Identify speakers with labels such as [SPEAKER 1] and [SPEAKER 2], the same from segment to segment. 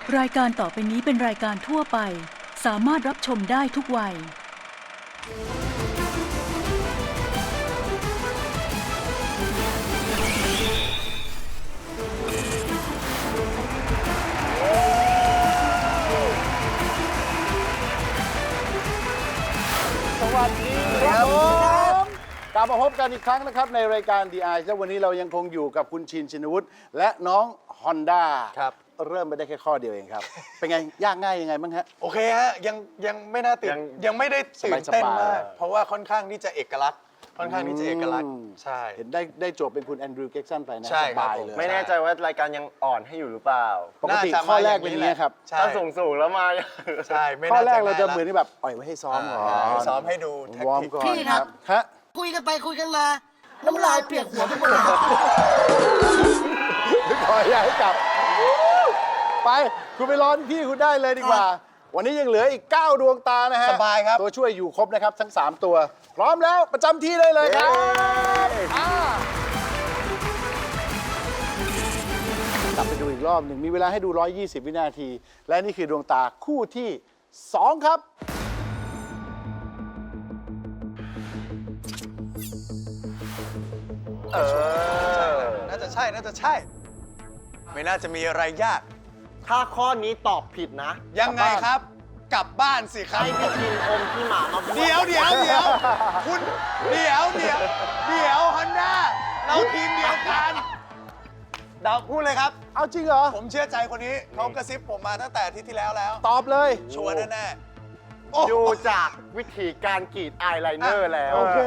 [SPEAKER 1] รายการต่อไปนี้เป็นรายการทั่วไปสามารถรับชมได้ทุกวัย
[SPEAKER 2] สวัสดีครับผมกลับมาพบกันอีกครั้งนะครับในรายการ The Eye และวันนี้เรายังคงอยู่กับคุณชิน ชินวุฒิและน้องฮอนด้าครับเริ่มไปได้แค่ข้อเดียวเองครับ เป็นไงยากง่ายยังไงบ้างฮะ
[SPEAKER 3] โอเคฮะยังไม่น่าตื่นยังไม่ได้ตื่นเต้นมากเพราะว่าค่อนข้างที่จะเอกลักษณ์ใช่
[SPEAKER 2] เห็นได้โจทย์เป็นคุณแอนดรูว์เก็กสันไปนะ
[SPEAKER 3] ใช่
[SPEAKER 2] ส
[SPEAKER 3] ครับ
[SPEAKER 2] บาย
[SPEAKER 3] ผม
[SPEAKER 2] เลย
[SPEAKER 4] ไม่แน่ใจว่ารายการยังอ่อนให้อยู่หรือเปล่า
[SPEAKER 2] ปกติข้อแรกเป็นอย่างนี้ครับ
[SPEAKER 3] ใช่
[SPEAKER 4] ถ้าสูงแล้วมา
[SPEAKER 3] ใช่ไม่
[SPEAKER 2] ข้อ
[SPEAKER 3] น่า
[SPEAKER 2] แร
[SPEAKER 3] จะ
[SPEAKER 2] กเราจะเหมือนที่แบบปล่อยไว้ให้ซ้อมก่อน
[SPEAKER 3] ซ้อมให้ดูแท็ก
[SPEAKER 2] วอร์ม
[SPEAKER 3] ติก
[SPEAKER 2] ก่อน
[SPEAKER 5] พี่ครับ
[SPEAKER 2] ฮะ
[SPEAKER 5] คุยกันไปคุยกันมาน้ำลายเปียกหัวไปหมดเลย
[SPEAKER 2] ขออย่าให้กลับ ไปคุณไปร้อนพี่คุณได้เลยดีกว่า วันนี้ยังเหลืออีก 9 ดวงตานะฮะ
[SPEAKER 3] สบายครับ
[SPEAKER 2] ตัวช่วยอยู่ครบนะครับทั้ง 3 ตัว พร้อมแล้วประจำที่ได้เลยครับกลับไปดูอีกรอบหนึ่งมีเวลาให้ดู 120 วินาที และนี่คือดวงตาคู่ที่ 2 ครับ
[SPEAKER 3] น่าจะใช่ไม่น่าจะมีอะไรยาก
[SPEAKER 4] ถ้าข้อนี้ตอบผิดนะ
[SPEAKER 3] ยังไงครับ กลับบ้านสิครับ
[SPEAKER 4] ให้พี่ชินอมที่หมามาบ้วน
[SPEAKER 3] เดี๋ยวคุณเดี๋ยวฮอนด้าเราทีมเดียวกันเดาพูดเลยครับ
[SPEAKER 2] เอาจริงเหรอ
[SPEAKER 3] ผมเชื่อใจคนนี้เขากระซิบผมมาตั้งแต่อาทิตย์ที่แล้ว
[SPEAKER 2] ตอบเลย
[SPEAKER 3] ชัวร์แน่ๆโอ้
[SPEAKER 4] ดูจากวิธีการกรีดอายไลเนอร์แล้ว
[SPEAKER 2] โอเค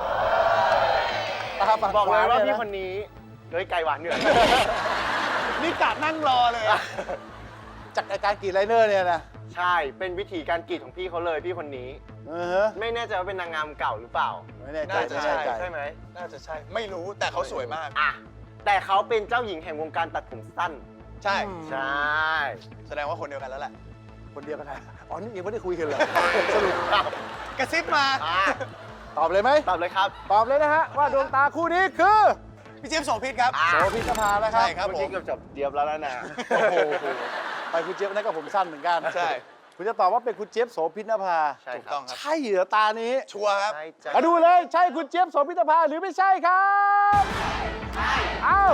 [SPEAKER 2] ตาฝั่ง
[SPEAKER 4] บอกเลยว่า
[SPEAKER 2] ข
[SPEAKER 4] พี่
[SPEAKER 2] นะ
[SPEAKER 4] คนนี้เฮ้ยไกลหวานเหนื่อย
[SPEAKER 3] นี่กะนั่งรอเลยอะ
[SPEAKER 2] จากอาการกรีดไลเนอร์เนี่ยนะ
[SPEAKER 4] ใช่เป็นวิธีการกรีดของพี่เขาเลยพี่คนนี้
[SPEAKER 2] ฮะ
[SPEAKER 4] ไม่แน่ใจว่าเป็นนางงามเก่าหรือเปล่า
[SPEAKER 2] ไม่แน่ใจ
[SPEAKER 3] น่าจะ
[SPEAKER 2] ไม่
[SPEAKER 3] ใช่
[SPEAKER 2] แน่ใจ
[SPEAKER 4] ใช่ไหม
[SPEAKER 3] น่าจะใช่ ไม่รู้แต่เขาสวยมาก
[SPEAKER 4] อ่ะแต่เขาเป็นเจ้าหญิงแห่งวงการตัดผมสั้น
[SPEAKER 3] ใช่
[SPEAKER 4] ใช่
[SPEAKER 3] แสดงว่าคนเดียวกันแล้วแหละ
[SPEAKER 2] คนเดียวกันนะอ๋อ นี่ยังไม่ได้คุยกันเหรอ สรุป
[SPEAKER 3] กระซิบมา
[SPEAKER 4] อ่ะ
[SPEAKER 2] ตอบเลยไหม
[SPEAKER 4] ตอบเลยครับ
[SPEAKER 2] ตอบเลยนะฮะ ว่าดวงตาคู่นี้คือ
[SPEAKER 3] พี่เจี๊ยบโสภิตครับ
[SPEAKER 4] อ่ะ
[SPEAKER 2] โสภิตภานะครั
[SPEAKER 3] ใช่
[SPEAKER 2] บ
[SPEAKER 3] ครับ
[SPEAKER 4] เมื่อ
[SPEAKER 3] ผ
[SPEAKER 4] กี้
[SPEAKER 3] ม
[SPEAKER 4] เกือบจบเดียบแล้วนะ
[SPEAKER 2] โอ้โหไปคุณเจี๊ยบนั่นก็ผมสั้นเหมือนกัน
[SPEAKER 3] ใช่
[SPEAKER 2] คุณจะตอบว่าเป็นคุณเจี๊ยบโสภิตนภา
[SPEAKER 4] ใช่
[SPEAKER 3] ถูก
[SPEAKER 4] ครั
[SPEAKER 3] ต้อบ งครับ
[SPEAKER 2] ใช่เหรอตานี้
[SPEAKER 3] ชัวร์ครับ
[SPEAKER 4] ใช่จ้ะ
[SPEAKER 2] มาดูเลย ใช่คุณเจี๊ยบโสภิตนภาหรือไม่ใช่ครับเอ้า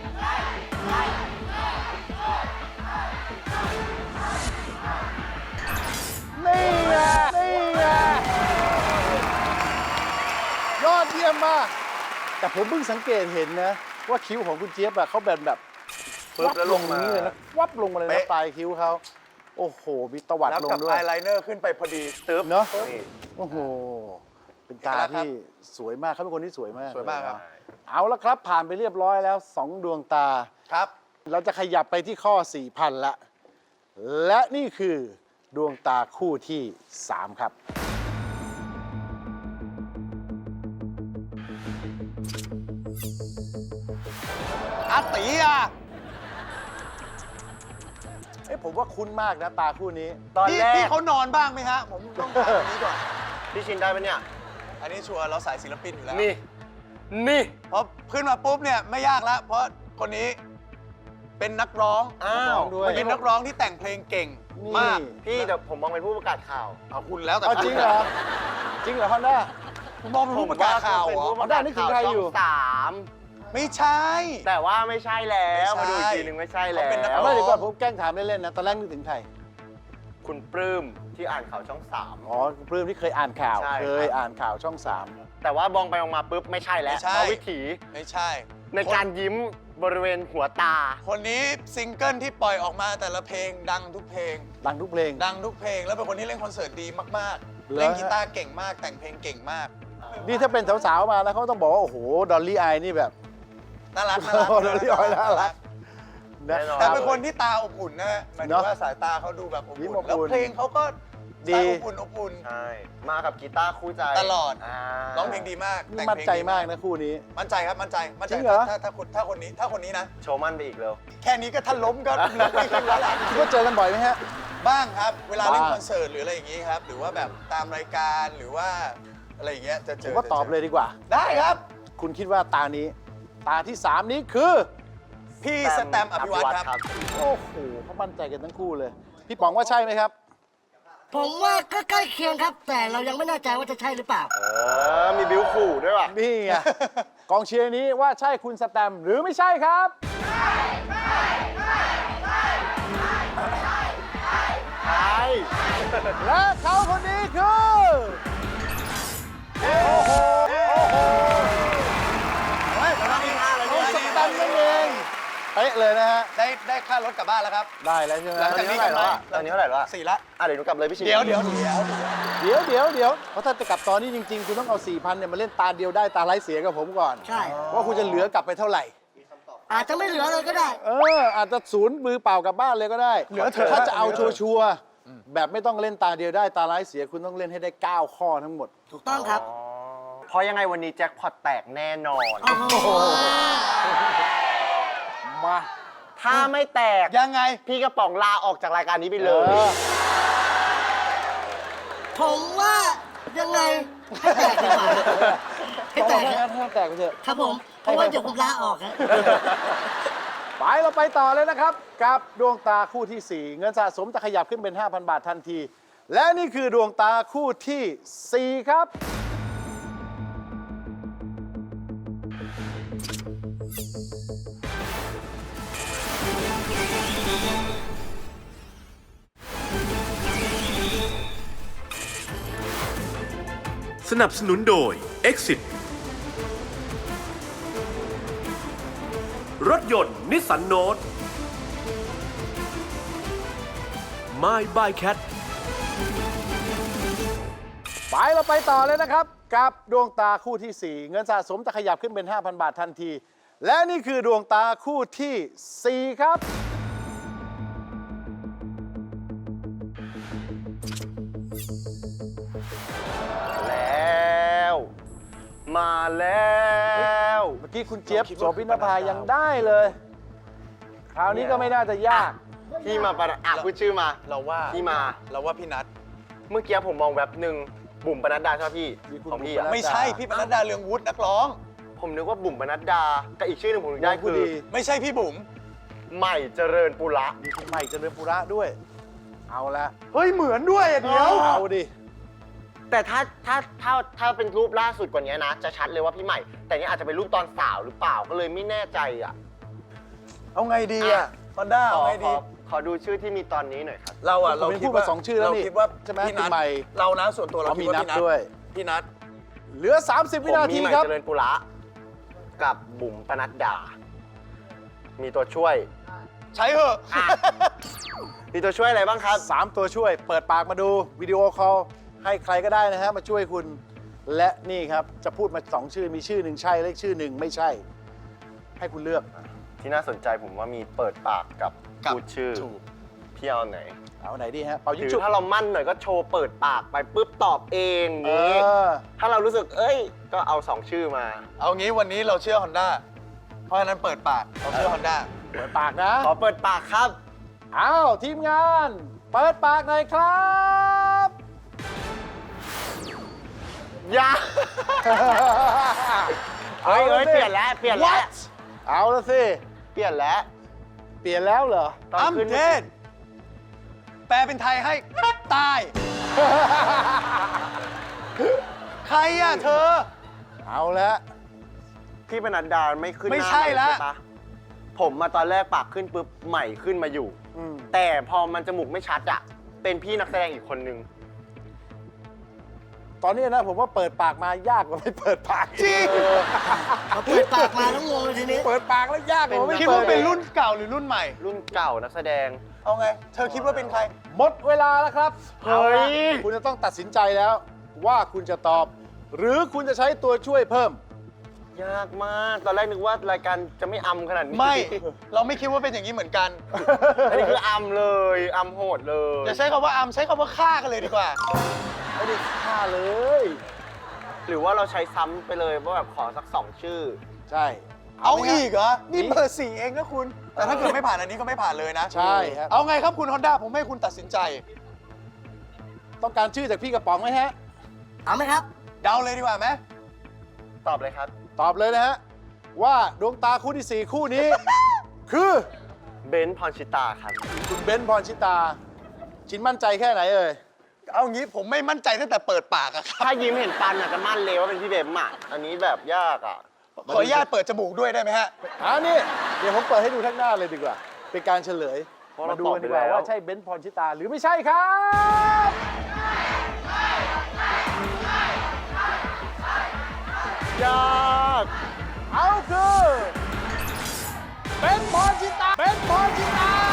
[SPEAKER 2] นี่ไงนี่ไงยอดเยี่ยมมาก แต่ผมเพิ่งสังเกตเห็นนะ ว่าคิ้วของคุณเจี๊ยบอะเขาแบบ
[SPEAKER 4] ปึ๊บแล้วลงมา
[SPEAKER 2] อย่างนี้เลยนะวับลงมาเลยนะ
[SPEAKER 3] เป๊ะ
[SPEAKER 2] ปลายคิ้วเขาโอ้โห มีตวัด
[SPEAKER 3] แล้ว
[SPEAKER 2] ลง
[SPEAKER 3] กับ
[SPEAKER 2] ด้วย
[SPEAKER 3] อายไลเนอร์ขึ้นไปพอดี
[SPEAKER 4] ตึ๊บ
[SPEAKER 2] เนอะ
[SPEAKER 4] นี่
[SPEAKER 2] โอ้โห เป็นตาที่สวยมากเขาเป็นคนที่สวยมาก
[SPEAKER 3] สวยมากครับ
[SPEAKER 2] เอาละครับ ผ่านไปเรียบร้อยแล้ว 2 ดวงตา
[SPEAKER 3] ครับ
[SPEAKER 2] เราจะขยับไปที่ข้อ 4,000 ละ และนี่คือดวงตาคู่ที่ 3 ครับ
[SPEAKER 3] อาตีอ่ะ
[SPEAKER 2] ผมว่าคุ้นมากนะตาคู่นี้
[SPEAKER 4] ตอนแร
[SPEAKER 3] พี่
[SPEAKER 4] ก
[SPEAKER 3] เขานอนบ้างไหมฮะ ผมต้องถามอันนี้ก่อน
[SPEAKER 4] พี่ชินได้ปะเนี่ย
[SPEAKER 3] อันนี้ชัวร์เราสายศิลปินอยู่แล้ว
[SPEAKER 4] นี่ นี่
[SPEAKER 3] พอขึ้นมาปุ๊บเนี่ยไม่ยากแล้ว เพราะคนนี้เป็นนักร้อง
[SPEAKER 4] อ้าว
[SPEAKER 2] ด้วย
[SPEAKER 3] เป็นนักร้องที่แต่งเพลงเก่ง
[SPEAKER 2] นี่
[SPEAKER 3] มาก
[SPEAKER 4] พี่แต่ผมมองเป็นผู้ประกาศข่าว
[SPEAKER 3] เอาคุณแล้วแต่
[SPEAKER 2] เอาจริงเหรอ จริงเหรอฮอนด้า
[SPEAKER 3] คุณมองเป็นผู้ประกาศข่าวเหรอ
[SPEAKER 4] ผมว่เป็นผู้ประกาศ
[SPEAKER 2] ได้นึกถึงใครอยู่
[SPEAKER 4] ช่องสาม
[SPEAKER 3] ไม่ใช่
[SPEAKER 4] แต่ว่าไม่ใช่แล้ว
[SPEAKER 3] ไม่ใช่
[SPEAKER 4] มาดูอีกทีหนึ่งไม่ใช่แล้
[SPEAKER 3] เขาเป็นนัก
[SPEAKER 4] ว
[SPEAKER 3] ร้
[SPEAKER 2] ไม่เดี๋ยวก่อนผมแกล้งถามเล่นๆนะ ตอนแรกนึกถึงใคร
[SPEAKER 4] คุณปลื้มที่อ่านข่าวช่องสาม
[SPEAKER 2] อ๋อคุณปลื้มที่เคยอ่านข่าว
[SPEAKER 4] ใช่ครับ
[SPEAKER 2] เคยอ่านข่าวช่อง
[SPEAKER 4] แต่ว่ามองไปมองมาปุ๊บไม่ใช่แล้ว
[SPEAKER 3] ไม่ใช่
[SPEAKER 4] เพราะวิถี
[SPEAKER 3] ไม่ใช่
[SPEAKER 4] ในการยิ้มบริเวณหัวตา
[SPEAKER 3] คนนี้ซิงเกิลที่ปล่อยออกมาแต่ละเพลงดังทุกเพลง
[SPEAKER 2] 3 ดังทุกเพลง
[SPEAKER 3] ดังทุกเพลง แล้วเป็นคนที่เล่นคอนเสิร์ตดีมาก
[SPEAKER 2] เหรอ
[SPEAKER 3] ๆ เล่นกีตาร์เก่งมาก แต่งเพลงเก่งมาก
[SPEAKER 2] นี่ถ้าเป็นสาวๆมาแล้วเขาต้องบอกว่า โอ้โห ดอลลี่อายนี่แบบ
[SPEAKER 3] น่ารัก
[SPEAKER 2] โอ้โหดอลลี่อายน่ารัก
[SPEAKER 4] แน่นอน
[SPEAKER 3] แต่เป็นคนที่ตาอบอุ่นนะหมายถึ
[SPEAKER 2] เนอะ
[SPEAKER 3] งว่าสายตาเขาดูแบบอบ
[SPEAKER 2] ยิ้ม
[SPEAKER 3] อุ่
[SPEAKER 2] อบ
[SPEAKER 3] น แล้ว
[SPEAKER 2] อุ่น
[SPEAKER 3] เพลงเขาก็
[SPEAKER 2] ดี
[SPEAKER 3] สายอบอุ่นอบอุ่น
[SPEAKER 4] ใช่ มากับกีตาร์คู่ใจ
[SPEAKER 3] ตลอด
[SPEAKER 4] า
[SPEAKER 3] ร้องเพลงดีมาก
[SPEAKER 2] นี่
[SPEAKER 3] แต่ง
[SPEAKER 2] มั่น
[SPEAKER 3] เพลง
[SPEAKER 2] ใจ
[SPEAKER 3] ดี
[SPEAKER 2] มากนะคู่นี้
[SPEAKER 3] มั่นใจครับมั่นใจมั่นใจ
[SPEAKER 2] จริงเหรอ
[SPEAKER 3] ถ้าคนนี้นะ
[SPEAKER 4] โชว์มันไปอีกเร็ว
[SPEAKER 3] แค่นี้ก็ถ้าล้มก็นักไม่ขึ้นแล้วล่ะ
[SPEAKER 2] คิดว่าเจอกันบ่อยไหมฮะ
[SPEAKER 3] บ้างครับ เวลาเล่น
[SPEAKER 2] บ้าง
[SPEAKER 3] คอนเสิร์ตหรืออะไรอย่างงี้ครับ หรือว่าแบบตามรายการหรือว่าอะไรอย่างเงี้ยจะเจ
[SPEAKER 2] ผม
[SPEAKER 3] อ
[SPEAKER 2] ว่าตอบเลยดีกว่า
[SPEAKER 3] ได้ครับ
[SPEAKER 2] คุณคิดว่าตานี้ ตาที่ 3 นี้คือ
[SPEAKER 3] พี่สแตมป์อภิวัตรครับ
[SPEAKER 2] โอ้โหเขามั่นใจกันทั้งคู่เลย พี่ป๋องว่าใช่ไหมครับ
[SPEAKER 5] ผมว่าก็ใกล้เคียงครับ แต่เรายังไม่แน่ใจว่าจะใช่หรือเปล่า
[SPEAKER 4] มีบิ้วขู่ด้วยว่ะ
[SPEAKER 2] นี่ไง กองเชียร์นี้ว่าใช่คุณสแตมป์หรือไม่ใช่ครับ
[SPEAKER 4] ใช่
[SPEAKER 2] และเขาคนนี้คือโอ้โหโอ้โหเขาสแตมป์นั่นเองเป๊ะเลยนะฮะ
[SPEAKER 3] ได้ค่ารถกลับบ้านแล้วครับ
[SPEAKER 2] ได้แล้วใช่ไหม
[SPEAKER 3] หลังจากนี้กลับบ้าน
[SPEAKER 4] ตอนนี้เท่าไหร่แล้วอะ
[SPEAKER 3] 4ละ
[SPEAKER 4] เดี๋ยวหนูกลับเลยพี่ชิน
[SPEAKER 3] เดี๋ยว
[SPEAKER 2] เดี๋ยวเพราะถ้าจะกลับตอนนี้จริงๆ คุณต้องเอา 4,000เนี่ยมาเล่นตาเดียวได้ตาไร้เสียกับผมก่อน
[SPEAKER 5] ใช่
[SPEAKER 2] ว่าคุณจะเหลือกลับไปเท่าไหร่
[SPEAKER 5] อาจจะไม่เหลือเลยก็ได้
[SPEAKER 2] อาจจะศูนย์มือเปล่ากลับบ้านเลยก็ได้
[SPEAKER 3] เหลือเถอะ
[SPEAKER 2] ถ้าจะเอาชัวร์ๆแบบไม่ต้องเล่นตาเดียวได้ตาไร้เสียคุณต้องเล่นให้ได้ 9 ข้อทั้งหมด
[SPEAKER 5] ถูกต้องครับ
[SPEAKER 4] เพราะยังไงวันนี้แจ็คพอตแตกแน่นอน
[SPEAKER 5] โอ้โห
[SPEAKER 2] มา
[SPEAKER 4] ถ้าไม่แตก
[SPEAKER 3] ยังไง
[SPEAKER 4] พี่กระป๋องลาออกจากรายการนี้ไป
[SPEAKER 2] เอ
[SPEAKER 4] เลย
[SPEAKER 2] อ
[SPEAKER 5] ผมว่ายังไงให้แตกดีกว่าให้
[SPEAKER 2] ต้อง
[SPEAKER 5] แตก
[SPEAKER 2] ให้
[SPEAKER 5] ครับ
[SPEAKER 2] แตกไปเถอะ
[SPEAKER 5] ครับผม เพราะว่าเดี๋ยวผมลาออกครับ
[SPEAKER 2] ไปเราไปต่อเลยนะครับ กับดวงตาคู่ที่ 4 เงินสะสมจะขยับขึ้นเป็น 5,000 บาททันที และนี่คือดวงตาคู่ที่ 4 ครับ
[SPEAKER 6] สนับสนุนโดย Exit รถยนต์นิสสันโนต My by Cat
[SPEAKER 2] ไปเราไปต่อเลยนะครับ กับดวงตาคู่ที่ 4 เงินสะสมจะขยับขึ้นเป็น 5,000 บาททันที และนี่คือดวงตาคู่ที่ 4 ครับ
[SPEAKER 4] แล้ว มาแล้ว
[SPEAKER 2] เมื่อกี้คุณเจี๊ยบโสพินภายังได้เลย คราวนี้ก็ไม่น่าจะยาก
[SPEAKER 4] พี่มาประอ่ะพูดชื่อมา
[SPEAKER 3] เราว่า
[SPEAKER 4] พี่มา
[SPEAKER 3] เราว่าพี่นัท
[SPEAKER 4] เมื่อกี้ผมมองแว็บหนึ่งบุ๋มปนัดดาใช่ไหมพี่
[SPEAKER 2] มีคุณ
[SPEAKER 4] ของพี่
[SPEAKER 2] บุ๋มปนัด
[SPEAKER 4] อะ
[SPEAKER 3] ไม่ใช่พี่ปนัดดาเรืองวุฒินักร้อง
[SPEAKER 4] ผมนึกว่าบุ๋มปนัดดากับอีกชื่อหนึงผมนึกได้
[SPEAKER 2] ผู้
[SPEAKER 4] คือ
[SPEAKER 2] ดี
[SPEAKER 3] ไม่ใช่พี่บุ๋ม
[SPEAKER 4] ใหม่เจริญปุระ
[SPEAKER 2] มีคุณใหม่เจริญปุระด้วย เอาละ
[SPEAKER 4] เฮ้ยเหมือนด้วยอะเดี๋ยว
[SPEAKER 2] เอาดิ
[SPEAKER 4] แต่ถ้าเป็นรูปล่าสุดกว่านี้นะ จะชัดเลยว่าพี่ใหม่ แต่นี่อาจจะเป็นรูปตอนสาวหรือเปล่าก็เลยไม่แน่ใจอ่ะ
[SPEAKER 3] เอาไงดีอ่ะฮอนด้า
[SPEAKER 4] ข
[SPEAKER 3] เอา
[SPEAKER 4] อ
[SPEAKER 3] ไง
[SPEAKER 4] ข
[SPEAKER 3] ดี
[SPEAKER 4] อขอดูชื่อที่มีตอนนี้หน่อยครับ
[SPEAKER 3] เราอ่ะ
[SPEAKER 2] ผมพูดมาสองชื่อแล้วนี่
[SPEAKER 3] เราคิดว่า
[SPEAKER 2] ใช่ไหม
[SPEAKER 3] พี่นั
[SPEAKER 2] คุณ
[SPEAKER 3] ท
[SPEAKER 2] ใหม่
[SPEAKER 3] เรานะส่วนตัวเรา
[SPEAKER 2] เอา
[SPEAKER 3] คิ
[SPEAKER 2] มี
[SPEAKER 3] ดว่า
[SPEAKER 2] นับ
[SPEAKER 3] พี่นัท
[SPEAKER 2] ด้วย
[SPEAKER 3] พี่นัท
[SPEAKER 2] เหลือ 30 วินาที
[SPEAKER 4] ผมมีใหม่
[SPEAKER 2] ครับ
[SPEAKER 4] เจริญปุระกับบุ๋มปนัดดา มีตัวช่วย
[SPEAKER 3] ใช้เหอะ
[SPEAKER 4] มีตัวช่วยอะไรบ้างครับ
[SPEAKER 2] 3 ตัวช่วย เปิดปากมาดูวิดีโอคอลให้ใครก็ได้นะฮะมาช่วยคุณ และนี่ครับจะพูดมา 2 ชื่อมีชื่อหนึ่งใช่และอีกชื่อหนึ่งไม่ใช่ ให้คุณเลือก
[SPEAKER 4] ที่น่าสนใจผมว่ามีเปิดปากกับพูดชื่อ
[SPEAKER 3] ถูก
[SPEAKER 4] พี่เอาไหน
[SPEAKER 2] เอาไหนดีฮะเป่า
[SPEAKER 4] ห
[SPEAKER 2] ยิง
[SPEAKER 4] รือ
[SPEAKER 2] ฉุบ
[SPEAKER 4] ถ้าเรามั่นหน่อยก็โชว์เปิดปากไปปุ๊บตอบเองอ
[SPEAKER 2] เอย่าง
[SPEAKER 4] นี้
[SPEAKER 2] อ
[SPEAKER 4] ถ้าเรารู้สึกเอ้ย ก็เอา 2 ชื่อมา
[SPEAKER 3] เอางี้วันนี้เราเชื่อฮอนด้าเพราะฉะนั้นเปิดปากเราเชื่อฮอนด้า
[SPEAKER 2] เปิดปากนะ
[SPEAKER 4] ขอเปิดปากครับ
[SPEAKER 2] อ้าวทีมงาน เปิดปากหน่อยครับ
[SPEAKER 4] อย่า เฮ้ย
[SPEAKER 2] ละสิ
[SPEAKER 4] เปลี่ยนแล้ว เปลี่ยนแล้ว
[SPEAKER 2] เอาละสิ
[SPEAKER 4] เปลี่ยนแล้ว
[SPEAKER 2] เปลี่ยนแล้วเหรอ
[SPEAKER 4] ตอน
[SPEAKER 3] อัม
[SPEAKER 4] ขึ้น
[SPEAKER 3] เดนแปลเป็นไทยให้ตาย ใครอ่ะเธอ
[SPEAKER 2] เอาละ
[SPEAKER 4] พี่ปนัดดาไม่ขึ้น
[SPEAKER 3] ไม่
[SPEAKER 4] หน้า
[SPEAKER 3] ใช่
[SPEAKER 4] ใหม่
[SPEAKER 3] ละ
[SPEAKER 4] ปะผมมาตอนแรกปากขึ้นปุ๊บใหม่ขึ้นมาอยู่
[SPEAKER 2] อืม
[SPEAKER 4] แต่พอมันจมูกไม่ชัดอะเป็นพี่นักแสดงอีกคนนึง
[SPEAKER 2] ตอนนี้นะผมว่าเปิดปากมายากกว่าไม่เปิดปากจริง
[SPEAKER 5] เขาเปิดปากมาแล้วงงเลยทีนี้
[SPEAKER 2] เปิดปากแล้วยากกว่าไม่
[SPEAKER 3] คิด
[SPEAKER 2] เปิ
[SPEAKER 3] ว่า
[SPEAKER 2] ด
[SPEAKER 3] เป็นรุ่นเก่าหรือรุ่นใหม่
[SPEAKER 4] รุ่นเก่านักแสดง
[SPEAKER 3] เอาไง เธอคิดว่าเป็นใคร
[SPEAKER 2] หมดเวลาแล้วครับ
[SPEAKER 4] เฮ้ย
[SPEAKER 2] อาละคุณจะต้องตัดสินใจแล้ว ว่าคุณจะตอบ หรือคุณจะใช้ตัวช่วยเพิ่ม
[SPEAKER 4] ยากมาก ตอนแรกนึกว่ารายการจะไม่อำขนาดนี้
[SPEAKER 3] ไม่ เราไม่คิดว่าเป็นอย่างนี้เหมือนกัน
[SPEAKER 4] อันนี้คืออำเลยอำโหดเลย
[SPEAKER 3] อย่าใช้คำว่าอัมใช้คำว่าฆ่ากันเลยดีกว่า
[SPEAKER 2] ไม่ได้ฆ่าเลย
[SPEAKER 4] หรือว่าเราใช้ซ้ำไปเลยว่าแบบขอสัก 2 ชื่อ
[SPEAKER 2] ใช่
[SPEAKER 3] เอา
[SPEAKER 2] ไหมครับ
[SPEAKER 3] อีกเหรอ นี่เบอร์4เองนะคุณ แต่ถ้าเกิดไม่ผ่านอันนี้ก็ไม่ผ่านเลยนะ
[SPEAKER 2] ใช่ครับ
[SPEAKER 3] เอาไงครับคุณฮอนด้าผมให้คุณตัดสินใจ
[SPEAKER 2] ต้องการชื่อจากพี่กระป๋องไหมฮะ
[SPEAKER 5] เอาไหมครับ
[SPEAKER 3] เดาเลยดีกว่าไหม
[SPEAKER 4] ตอบเลยครับ
[SPEAKER 2] ตอบเลยนะฮะ ว่าดวงตาคู่ที่ 4 คู่นี้คือ
[SPEAKER 4] เบนซ์พรชิตาครับ
[SPEAKER 2] คุณเบนซ์พรชิตา ชินมั่นใจแค่ไหนเอ่ย
[SPEAKER 3] เอางี้ผมไม่มั่นใจตั้งแต่เปิดปากอะครับ
[SPEAKER 4] ถ้ายิ้มเห็นปันอาจจะมั่นเลยว่าเป็นพี่เบมอ่ะ อันนี้แบบยากอ่ะ
[SPEAKER 3] ขออนุญาตเปิดจมูกด้วยได้ไหมฮะ
[SPEAKER 2] นี่เดี๋ยวผมเปิดให้ดูทั้งหน้าเลยดีกว่า เป็นการเฉลย
[SPEAKER 4] เพราะเรา
[SPEAKER 2] มาดูกันดีกว่า
[SPEAKER 4] ตอบไปแล้ว
[SPEAKER 2] ว่าใช่เบนซ์พรชิตาหรือไม่ใช่ครับ
[SPEAKER 4] ยาก
[SPEAKER 2] เอาคือเบนซ์พรชิตา เบนซ์พรชิตา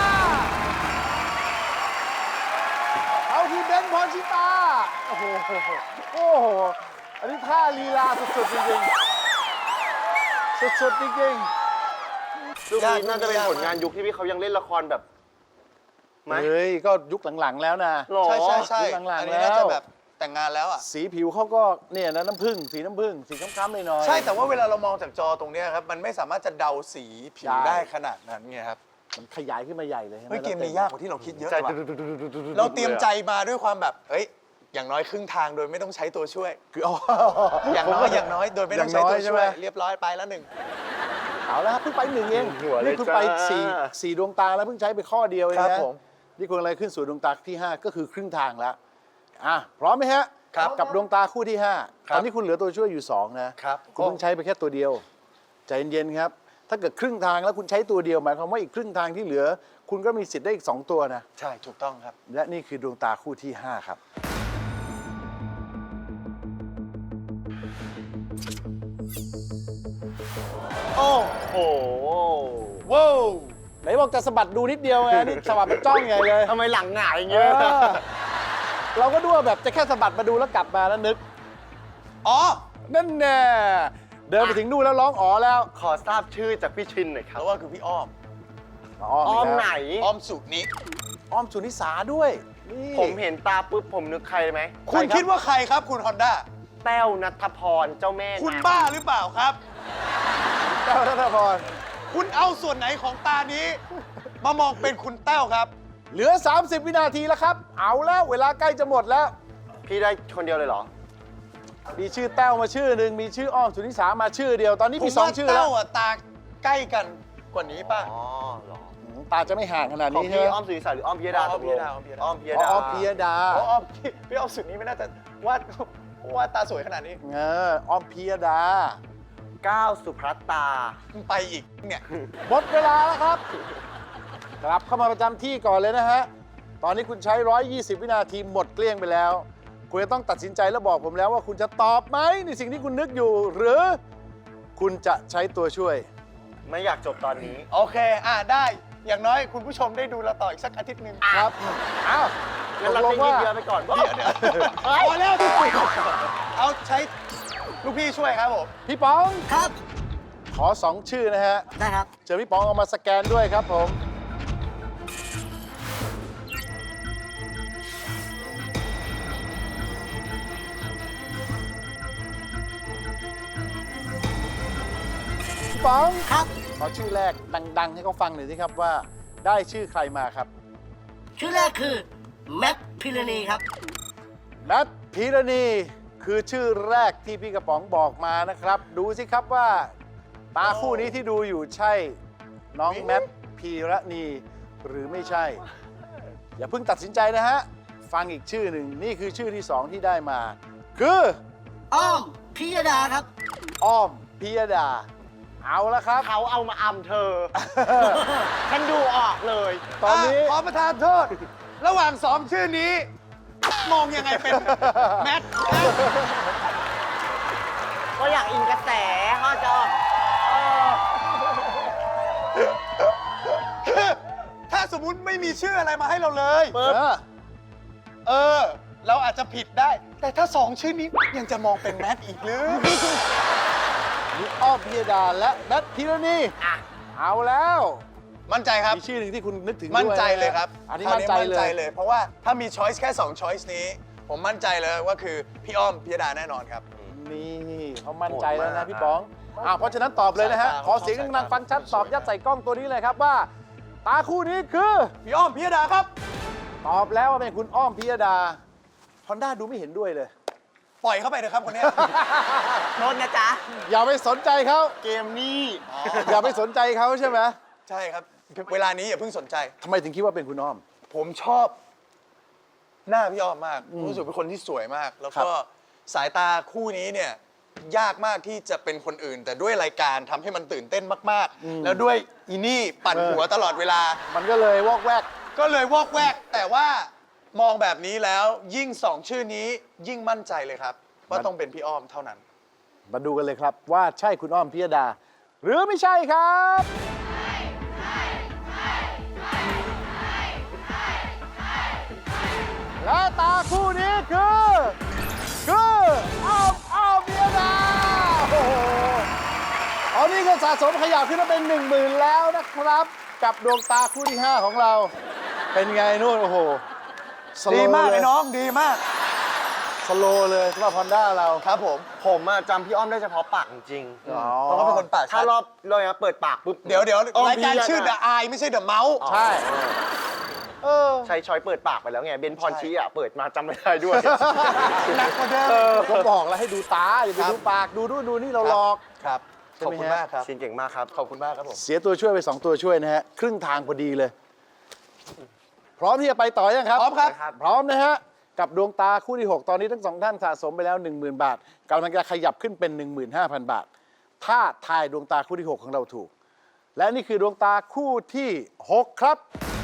[SPEAKER 2] เอาที่เบนซ์พรชิตา โอ้โห โอ้โห อันนี้ท่าลีลาสุดๆจริงๆ สุดๆจริงๆ
[SPEAKER 4] รูปนี้น่าจะเป็นผลงานยุคที่พี่เขายังเล่นละครแบบไหม
[SPEAKER 2] เฮ้ย ก็ยุคหลังๆแล้วนะ
[SPEAKER 4] หรอ
[SPEAKER 3] ใช่
[SPEAKER 2] ยุคหลังๆ
[SPEAKER 3] อันนี้น่า
[SPEAKER 2] แล้
[SPEAKER 3] จะ
[SPEAKER 2] ว
[SPEAKER 3] แบบแต่งงานแล้วอะ
[SPEAKER 2] สีผิวเขาก็เนี่ยนะน้ำผึ้งสีน้ำผึ้งสีค้ำๆหน่อยๆ
[SPEAKER 3] ใช่แต่ว่าเวลาเรามองจากจอตรงเนี้ยครับมันไม่สามารถจะเดาสีผิว
[SPEAKER 2] ใช่
[SPEAKER 3] ได้ขนาดนั้นไงครับ
[SPEAKER 2] มันขยายขึ้นมาใหญ่เลยใช่ไหม
[SPEAKER 3] เฮ้ยเกมนี้ยากกว่าที่เราคิดเยอะ
[SPEAKER 4] ใจ
[SPEAKER 3] เลยว่ะเราเตรียมใจมาด้วยความแบบเฮ้ยอย่างน้อยครึ่งทางโดยไม่ต้องใช้ตัวช่วย
[SPEAKER 2] คืออ๋อ
[SPEAKER 3] อย่างน้อยโดยไม่ต้องใช้ตัวช่วย เรียบร้อยไปแล้วหนึ่ง
[SPEAKER 2] เอาแล้วครับเพิ่งไปหนึ่งเอง
[SPEAKER 4] หัวเลย
[SPEAKER 2] นี่คุณ
[SPEAKER 4] จ้า
[SPEAKER 2] ไปสี่ดวงตาแล้วเพิ่งใช้ไปข้อเดียวเอง
[SPEAKER 3] ครับ
[SPEAKER 2] นะ
[SPEAKER 3] ผม
[SPEAKER 2] นี่คุณอะไรขึ้นสู่ดวงตาที่ 5 ก็คือครึ่งทางแล้วพร้อมไหมฮะ
[SPEAKER 3] ครับ
[SPEAKER 2] กับดวงตาคู่ที่ 5
[SPEAKER 3] ครับ
[SPEAKER 2] ตอนนี้คุณเหลือตัวช่วยอยู่ 2 นะครับ คุณเพิ่งใช้ไปแค่ตัวเดียวใจเย็นๆครับ ถ้าเกิดครึ่งทางแล้วคุณใช้ตัวเดียวหมายความว่าอีกครึ่งทางที่เหลือ คุณก็มีสิทธิ์ได้อีก 2 ตัวนะ
[SPEAKER 3] ใช่ถูกต้องครับ
[SPEAKER 2] และนี่คือดวงตาคู่ที่ 5 ครับ
[SPEAKER 3] โอ้
[SPEAKER 4] โอ้โห
[SPEAKER 3] ว้าว
[SPEAKER 2] ไหนบอกจะสะบัดดูนิดเดียวไง นี่สะบัดมันจ้องใหญ่เลย
[SPEAKER 4] ทำไมหลังหงายอย่าง
[SPEAKER 2] เอ
[SPEAKER 4] เงี้ย
[SPEAKER 2] อเราก็ดูว่าแบบจะแค่สะบัดมาดูแล้วกลับมาแล้วนึก
[SPEAKER 3] อ๋อ
[SPEAKER 2] นั่นแน่เดินไปถึงนู่นแล้วร้องอ๋อแล้ว
[SPEAKER 4] ขอทราบชื่อจากพี่ชินหน่อยค
[SPEAKER 3] เพ
[SPEAKER 4] รับ
[SPEAKER 3] ราะว่าคือพี่อ้อม
[SPEAKER 4] อ้อมไหน
[SPEAKER 3] อ้อมสุนิ
[SPEAKER 2] อ้อมสุนิสาด้วยนี่
[SPEAKER 4] ผมเห็นตาปุ๊บผมนึกใครเลยไหม
[SPEAKER 3] คุณคิดว่าใครครับคุณฮอนด้า
[SPEAKER 4] แต้วนัทพรเจ้าแม่
[SPEAKER 3] คุณ
[SPEAKER 4] งาม
[SPEAKER 3] บ้าหรือเปล่าครับ
[SPEAKER 2] เจ้าธนพร
[SPEAKER 3] คุณเอาส่วนไหนของตานี้ มามองเป็นคุณแต้วครับ
[SPEAKER 2] เหลือ 30 วินาทีแล้วครับ เอาแล้วเวลาใกล้จะหมดแล้ว
[SPEAKER 4] พี่ได้คนเดียวเลยเหรอ
[SPEAKER 2] มีชื่อแต้วมาชื่อหนึ่งมีชื่ออ้อมสุนิสามาชื่อเดียวตอนนี้
[SPEAKER 3] ผม
[SPEAKER 2] มีสอง
[SPEAKER 3] ว่า
[SPEAKER 2] ชื่อ
[SPEAKER 3] แต้
[SPEAKER 2] แล้ว
[SPEAKER 3] วอะตาใกล้กันกว่านี้ป่ะ
[SPEAKER 4] อ๋อเหรอ
[SPEAKER 2] ตาจะไม่ห่างขนาด
[SPEAKER 4] ของ
[SPEAKER 2] นี้ใช่
[SPEAKER 4] พี่
[SPEAKER 2] ไหม
[SPEAKER 4] อ้อมสุริสาหรืออ้อมพิยดา
[SPEAKER 3] อ้อมพิยดา
[SPEAKER 4] ตกลง
[SPEAKER 3] อ้อมพิยดา
[SPEAKER 4] อ้อมพิยดา
[SPEAKER 2] อ๋ออ้อมพิยดา
[SPEAKER 3] พี่อ้อมสุดนี้ไม่น่าจะวาดตาสวยขนาดนี้
[SPEAKER 2] อ้อมพิยดา
[SPEAKER 4] ก้าวสุภัตตา
[SPEAKER 3] ไปอีกเนี่ย
[SPEAKER 2] หมดเวลาแล้วครับ กลับเข้ามาประจำที่ก่อนเลยนะฮะ ตอนนี้คุณใช้ 120 วินาทีหมดเกลี้ยงไปแล้ว คุณจะต้องตัดสินใจแล้วบอกผมแล้วว่าคุณจะตอบไหมในสิ่งที่คุณนึกอยู่ หรือคุณจะใช้ตัวช่วย
[SPEAKER 4] ไม่อยากจบตอนนี้
[SPEAKER 3] โอเคได้อย่างน้อยคุณผู้ชมได้ดูเราต่ออีกสักอาทิตย์หนึ่ง
[SPEAKER 2] ครับอ้าว
[SPEAKER 4] งั้นเรา
[SPEAKER 2] ต
[SPEAKER 4] เต้
[SPEAKER 2] ก
[SPEAKER 4] น
[SPEAKER 2] ลง
[SPEAKER 4] ยืด
[SPEAKER 2] ว่า
[SPEAKER 4] เยื้อไปก่อน
[SPEAKER 3] พอแล้วเอาใช้ลูกพี่ช่วยครับผม
[SPEAKER 2] พี่ป๋อง
[SPEAKER 5] ครับ
[SPEAKER 2] ขอ 2 ชื่อนะฮะ
[SPEAKER 5] ได้ครับ
[SPEAKER 2] เจอพี่ป๋องเอามาสแกนด้วยครับผม พี่ป๋อง
[SPEAKER 5] ครับ
[SPEAKER 2] ขอชื่อแรกดัง ๆ ให้เขาฟังหน่อยสิครับว่าได้ชื่อใครมาครับ
[SPEAKER 5] ชื่อแรกคือแมทพิรณีครับ
[SPEAKER 2] แมทพีรณีคือชื่อแรกที่พี่กระป๋องบอกมานะครับ ดูสิครับว่า ตาคู่นี้ที่ดูอยู่ใช่น้องแมทพีรณีหรือไม่ใช่ อย่าเพิ่งตัดสินใจนะฮะ ฟังอีกชื่อหนึ่งนี่คือชื่อที่ 2 ที่ได้มา คือ
[SPEAKER 5] อ้อมพิยดาครับ
[SPEAKER 2] อ้อมพิยดา เอาละครับ
[SPEAKER 4] เขาเอามาอำเธอ ฉันดูออกเลย
[SPEAKER 2] ตอนนี้
[SPEAKER 3] ขอประทานโทษ ระหว่างสองชื่อนี้ มองยังไงเป็นแมท
[SPEAKER 4] ก็อยากอินกระแสเขาจะ
[SPEAKER 3] คือถ้าสมมุติไม่มีชื่ออะไรมาให้เราเลย
[SPEAKER 2] เออ
[SPEAKER 3] เราอาจจะผิดได้ แต่ถ้าสองชื่อนี้ยังจะมองเป็นแมทอีกหรือ
[SPEAKER 2] มีอ้อมพิยดาและแมทพีรณีเอาแล้ว
[SPEAKER 3] มั่นใจครับ
[SPEAKER 2] มีชื่อหนึ่งที่คุณนึกถึงด้วย
[SPEAKER 3] มั่นใจเลยครับ
[SPEAKER 2] อันนี้
[SPEAKER 3] คราว
[SPEAKER 2] มั่นใจเลย
[SPEAKER 3] เพราะว่าถ้ามีช้อยส์แค่2ช้อยส์นี้ ผมมั่นใจเลยว่าคือพี่อ้อมพิยดาแน่นอนครับ
[SPEAKER 2] นี่เขามั่นใจแล้วนะพี่ป๋องเพราะฉะนั้นตอบเลยนะฮะ
[SPEAKER 3] สายตา
[SPEAKER 2] ขอเสียงดังๆฟังชัดตอบยัดใส่กล้องตัวนี้เลยครับว่า ตาคู่นี้คือ
[SPEAKER 3] พี่อ้อมพิยดาครับ
[SPEAKER 2] ตอบแล้วว่าเป็นคุณอ้อมพิยดาฮอนด้าดูไม่เห็นด้วยเลย
[SPEAKER 3] ปล่อยเข้าไปเถอะครับคนเนี้ย
[SPEAKER 4] โทษนะจ๊ะ
[SPEAKER 2] อย่าไปสนใจเขา
[SPEAKER 4] เกมนี้
[SPEAKER 2] อย่าไปสนใจเขาใช่ไหม
[SPEAKER 3] ใช่ครับ เวลานี้อย่าเพิ่งสนใจ
[SPEAKER 2] ทำไมถึงคิดว่าเป็นคุณอ้อม
[SPEAKER 3] ผมชอบหน้าพี่อ้อมมาก รู้สึกเป็นคนที่สวยมาก แล้วก็สายตาคู่นี้เนี่ยยากมากที่จะเป็นคนอื่น แต่ด้วยรายการทำให้มันตื่นเต้นมากๆ แล้วด้วยอีนี่ปั่นหัวตลอดเวลา
[SPEAKER 2] มันก็เลยวอกแวก
[SPEAKER 3] ก็เลยวอกแวก แต่ว่ามองแบบนี้แล้วยิ่ง2 ชื่อนี้ยิ่งมั่นใจเลยครับ ว่าต้องเป็นพี่อ้อมเท่านั้น
[SPEAKER 2] มาดูกันเลยครับว่าใช่คุณอ้อมพิยดา หรือไม่ใช่ครับและตาคู่นี้คืออ้อมพิยดาโอ้โหเอานี่ก็สะสมขยับขึ้นมาเป็น 10,000 แล้วนะครับ กับดวงตาคู่ที่ 5 ของเรา เป็นไงนู่นโอ้โหสโล
[SPEAKER 3] ดี
[SPEAKER 2] ว์
[SPEAKER 3] มาก
[SPEAKER 2] เล
[SPEAKER 3] เลย ยน้องดีมาก
[SPEAKER 2] สโลว์เลยสำหรับฮอนด้าเรา
[SPEAKER 3] ครับผม
[SPEAKER 4] ผมอะจำพี่อ้อมได้เฉพาะปากจริง
[SPEAKER 3] เพราะเขาเป็นคนปาก
[SPEAKER 4] ๆถ้ารอบเลยนะเปิดปากปุ๊บ
[SPEAKER 3] เดี๋ยว
[SPEAKER 4] อ้อม
[SPEAKER 3] รายการ
[SPEAKER 4] พิยด
[SPEAKER 3] ชื่อ The Eye ไม่ใช่ The Mouse
[SPEAKER 2] ใช่
[SPEAKER 4] ใช้ช้อยเปิดปากไปแล้วไงเบนพรชีอ่ะเปิดมาจำไม่ได้ด้วย
[SPEAKER 3] หนักกว่าเดิม
[SPEAKER 2] ก็บอกแล้วให้ดูตา อย่าไปดูปาก ดูนู่นดูนี่เราหลอก
[SPEAKER 3] ครับ
[SPEAKER 2] ใช่
[SPEAKER 3] ขอบ
[SPEAKER 2] ไหม
[SPEAKER 3] คุณ
[SPEAKER 2] ฮะ
[SPEAKER 3] มากครับ
[SPEAKER 4] ชินเก่งมากครับ
[SPEAKER 3] ขอบคุณมากครับผม
[SPEAKER 2] เสียตัวช่วยไป 2 ตัวช่วยนะฮะ ครึ่งทางพอดีเลย พร้อมที่จะไปต่อยังครับ
[SPEAKER 3] พร้อมครับ
[SPEAKER 2] พร้อมนะฮะ กับดวงตาคู่ที่ 6 ตอนนี้ทั้ง 2 ท่านสะสมไปแล้ว 10,000 บาทกำลังจะขยับขึ้นเป็น 15,000 บาท ถ้าทายดวงตาคู่ที่ 6 ของเราถูก และนี่คือดวงตาคู่ที่ 6 ครับ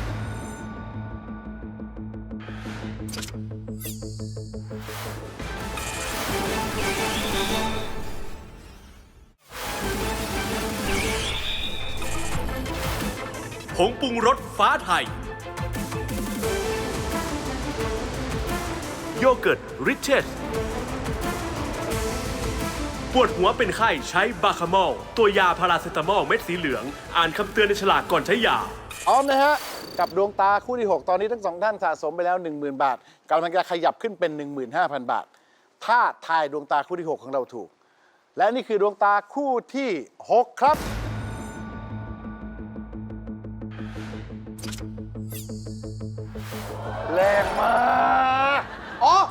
[SPEAKER 6] ผงปรุงรสฟ้าไทย โยเกิร์ตริชเชสปวดหัวเป็นไข้ใช้บาคาโมลตัวยาพาราเซตามอลเม็ดสีเหลือง อ่านคำเตือนในฉลากก่อนใช้ยา
[SPEAKER 2] พร้อมนะฮะ กับดวงตาคู่ที่ 6 ตอนนี้ทั้ง 2 ท่านสะสมไปแล้ว 10,000 บาทกำลังจะขยับขึ้นเป็น 15,000 บาท ถ้าทายดวงตาคู่ที่ 6 ของเราถูก และนี่คือดวงตาคู่ที่ 6 ครับ
[SPEAKER 3] แรงมากอ๋อ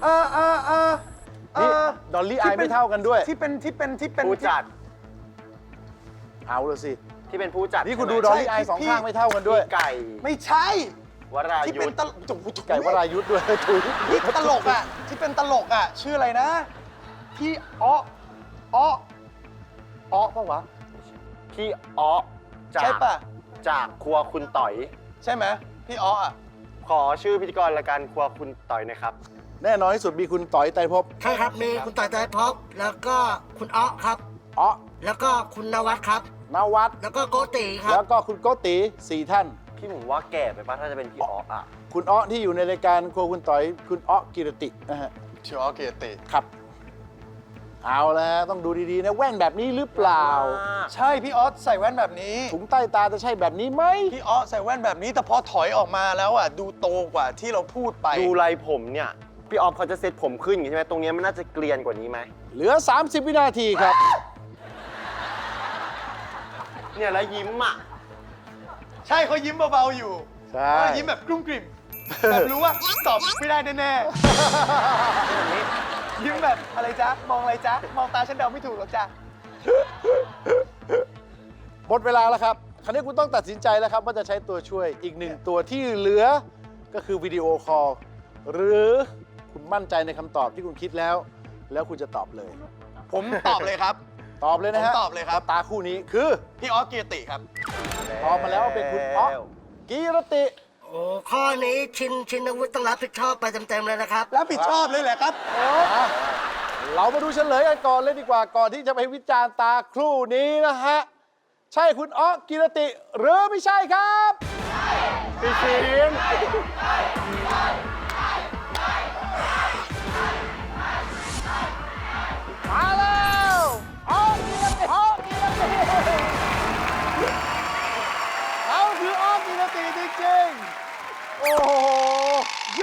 [SPEAKER 2] นี่ดอลลี่อายไม่เท่ากันด้วย
[SPEAKER 3] ที่เป็น
[SPEAKER 4] ผู้จัด
[SPEAKER 2] เอาเลยสิ
[SPEAKER 4] ที่เป็นผู้จัด
[SPEAKER 2] นี่คุณดู
[SPEAKER 4] ใช่
[SPEAKER 2] ด
[SPEAKER 4] ไหม
[SPEAKER 2] อลลี่อายสองข้างไม่เท่ากันด้วย
[SPEAKER 4] พี่ไก่
[SPEAKER 3] ไม่ใช่
[SPEAKER 4] วรา
[SPEAKER 3] ที่
[SPEAKER 4] ยุ
[SPEAKER 3] เป็น
[SPEAKER 4] ทธ
[SPEAKER 2] ไก่วรายุทธ์ด้วย ถุย
[SPEAKER 3] ที่ตลกอ่ะ ที่เป็นตลกอ่ะ ชื่ออะไรนะ พี่อ้อปะวะ
[SPEAKER 4] พี่อ้อจา
[SPEAKER 3] ใช่
[SPEAKER 4] ก
[SPEAKER 3] ปะ
[SPEAKER 4] จากครัวคุณต่อย
[SPEAKER 3] ใช่ไหมพี่อ้ออ่ะ
[SPEAKER 4] ขอชื่อพิธีกรรายการครัวคุณต่อยหนะครับ
[SPEAKER 2] แน่นอนที่สุดมีคุณต่อยไตรภพ
[SPEAKER 5] ใช่ครับมีคุณต่อยใจพบแล้วก็คุณอ๊อครับ
[SPEAKER 2] อ๋อ
[SPEAKER 5] แล้วก็คุณนวัดครับ
[SPEAKER 2] นวัด
[SPEAKER 5] แล้วก็โกติครั
[SPEAKER 2] แล้
[SPEAKER 5] บ
[SPEAKER 2] วก็คุณโกติ4 ท่าน
[SPEAKER 4] พี่ผมว่าแก่ไปปะถ้าจะเป็นพี่อ้ออ่ะ
[SPEAKER 2] คุณอ้อที่อยู่ในรายการครัวคุณต่อย คุณอ้อกิรตินะฮะ
[SPEAKER 3] ชื่ออ้อเกียรติ
[SPEAKER 2] ครับ เอาแล้วฮะต้องดูดีๆนะแว่นแบบนี้หรือเปล่า
[SPEAKER 3] ใช่พี่อ้อใส่แว่นแบบนี้
[SPEAKER 2] ถุงใต้ตาจะใช่แบบนี้ไหม
[SPEAKER 3] พี่อ้อใส่แว่นแบบนี้ แต่พอถอยออกมาแล้วอ่ะ ดูโตกว่าที่เราพูดไป
[SPEAKER 4] ดูไรผมเนี่ย พี่ออฟเขาจะเซ็ตผมขึ้นอย่างนี้ใช่ไหมตรงเนี้ยมันน่าจะเกลียนกว่านี้ไหม
[SPEAKER 2] เหลือ 30 วินาทีครับ
[SPEAKER 4] เนี่ยแล้วยิ้มอ่ะ
[SPEAKER 3] ใช่เขายิ้มเบาๆอยู่
[SPEAKER 2] ใช่
[SPEAKER 3] เขายิ้มแบบกลุ้มกลิ่มแบบรู้ว่าตอบไม่ได้แน่ๆยิ้มแบบอะไรจ๊ะ มองอะไรจ๊ะ มองตาฉันเดาไม่ถูกหรอกจ๊ะ
[SPEAKER 2] หมดเวลาแล้วครับ คราวนี้คุณต้องตัดสินใจแล้วครับว่าจะใช้ตัวช่วยอีกหนึ่งตัวที่เหลือก็คือวิดีโอคอลหรือคุณมั่นใจในคำตอบที่คุณคิดแล้ว แล้วคุณจะตอบเลย
[SPEAKER 3] ผมตอบเลยครับ
[SPEAKER 2] ตอบเลยนะฮะ
[SPEAKER 3] ผมตอบเลยครับ
[SPEAKER 2] ตาคู่นี้คือ
[SPEAKER 3] พี่อ้อเกียรติครับ
[SPEAKER 2] ตอบมาแล้วว่าเป็นคุณอ๊อกกีรติ
[SPEAKER 5] โอ้ข้อนี้ชินวุฒิต้องรับผิดชอบไปเต็มๆเลยนะครับ
[SPEAKER 3] รับผิดชอบเลยแหละครับ
[SPEAKER 2] อ่ะเรามาดูเฉลยกันก่อนเลยดีกว่าก่อนที่จะไปวิจารณ์ตาครู่นี้นะฮะ ใช่คุณอ๊อกกีรติ หรือไม่ใช่ครับพี่ชินมาแล้วอ๊อกกีรติอ๊อกกีรติเขาคืออ๊อกกีรติจริงๆโอ้โหโย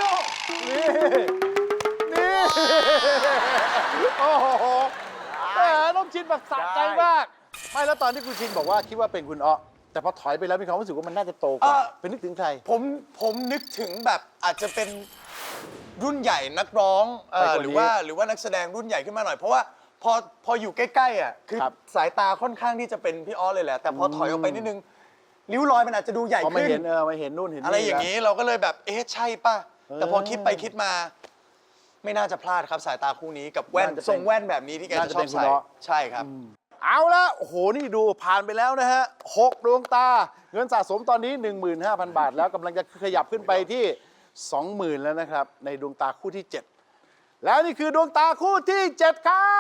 [SPEAKER 2] นี่ โอ้โหแต่น้องชินแบบสะใจมาก ไม่แล้วตอนที่คุณชินบอกว่าคิดว่าเป็นคุณอ๊อแต่พอถอยไปแล้วมีความรู้สึกว่ามันน่าจะโตกว่า เป็นนึกถึงใคร
[SPEAKER 3] ผมนึกถึงแบบอาจจะเป็นรุ่นใหญ่นักร้อง
[SPEAKER 2] ไปกว่านี้
[SPEAKER 3] หรือว่านักแสดงรุ่นใหญ่ขึ้นมาหน่อย เพราะว่าพออยู่ใกล้ๆอ่ะคือ
[SPEAKER 2] ครับ
[SPEAKER 3] สายตาค่อนข้างที่จะเป็นพี่อ้อเลยแหละ แต่พอถอยออกไปนิดนึงริ้วรอยมันอาจจะดูใหญ่
[SPEAKER 2] พอมา
[SPEAKER 3] ขึ้น
[SPEAKER 2] เห็นมาเห็นนู่นเห็นนี่
[SPEAKER 3] อะไรอย่าง
[SPEAKER 2] นี้
[SPEAKER 3] นี้เราก็เลยแบบเอ๊ะใช่ป่ะ แต่พอคิดไปคิดมา ไม่น่าจะพลาดครับสายตาคู่นี้กับแว่นทรงแว่นแบบนี้ที่แกจะชอบใส่ใช่ครับ
[SPEAKER 2] เอาละโอ้โห นี่ดูผ่านไปแล้วนะฮะ6ดวงตา เงินสะสมตอนนี้ 15,000 บาท แล้วกำลังจะขยับขึ้นไปที่ 20,000 แล้วนะครับ ในดวงตาคู่ที่ 7 แล้วนี่คือดวงตาคู่ที่ 7 ครับ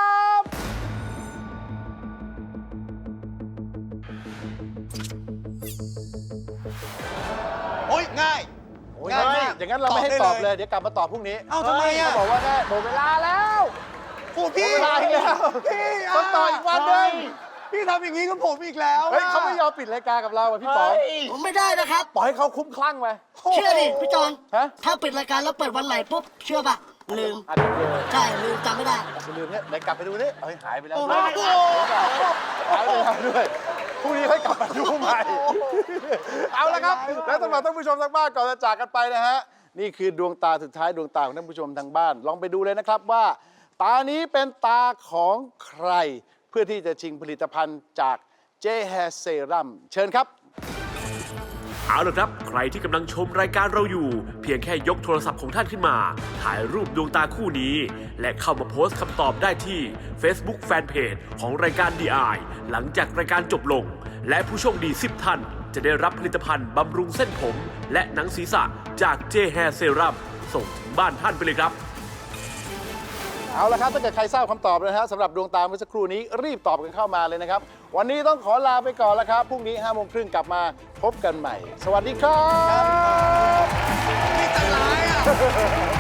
[SPEAKER 3] โอ้ยง่าย
[SPEAKER 2] โอ้ยง่ายมากอย่างนั้นเราไม่ให้ตอบเลย เดี๋ยวกลับมาตอบพรุ่งนี้
[SPEAKER 3] เอ้าทำไมอ่ะ
[SPEAKER 2] เขาบอกว่าได้หมดเวลาแล้ว
[SPEAKER 3] โอ้พี่
[SPEAKER 2] หมดเวลาอีกแล้ว
[SPEAKER 3] พี่
[SPEAKER 2] ต้องต่ออีกวันหนึง
[SPEAKER 3] พี่ทำอย่างนี้กับผมอีกแล้ว
[SPEAKER 2] เฮ้ยเขาไม่ยอมปิดรายการกับเราอ่ะพี่ป๋อง
[SPEAKER 5] ผมไม่ได้นะครับ
[SPEAKER 2] ปล่อยให้เขาคุ้มคลั่งไป
[SPEAKER 5] เชื่อดิพี่จอน
[SPEAKER 2] ฮะ
[SPEAKER 5] ถ้าปิดรายการแล้วเปิดวันใหม่ปุ๊บ เชื่อป่ะ ลืม
[SPEAKER 2] อาจจะเจอ
[SPEAKER 5] ใช่ ลืมจำไม่ได้
[SPEAKER 2] ไปลืมเนี่ยไหนกลับไปดูนี่เฮ้ยหายไปแล้ว
[SPEAKER 3] โอ้
[SPEAKER 2] ด้วย
[SPEAKER 3] โห
[SPEAKER 2] หายไปแล้วด้วยพรุ่งนี้ค่อยกลับมาดูใหม่ เอาละครับ แล้วสำหรับท่านผู้ชมทางบ้านก่อนจะจากกันไปนะฮะ นี่คือดวงตาสุดท้ายดวงตาของท่านผู้ชมทางบ้าน ลองไปดูเลยนะครับว่า ตานี้เป็นตาของใคร เพื่อที่จะชิงผลิตภัณฑ์จาก J Hair Serum เชิญครับ
[SPEAKER 6] เอาละครับ ใครที่กำลังชมรายการเราอยู่ เพียงแค่ยกโทรศัพท์ของท่านขึ้นมา ถ่ายรูปดวงตาคู่นี้ และเข้ามาโพสต์คำตอบได้ที่ Facebook Fanpage ของรายการ DI หลังจากรายการจบลง และผู้โชคดี 10 ท่าน จะได้รับผลิตภัณฑ์บำรุงเส้นผม และหนังศีรษะจาก J Hair Serum ส่งถึงบ้านท่านไปเลยครับ
[SPEAKER 2] เอาละครับถ้าเกิดใครทราบคำตอบนะฮะสำหรับดวงตาเมื่อสักครู่นี้รีบตอบกันเข้ามาเลยนะครับ วันนี้ต้องขอลาไปก่อนแล้วครับ พรุ่งนี้ 5:30 กลับมาพบกันใหม่ สวัสดีครับ
[SPEAKER 3] นี่จะร้ายอ่ะ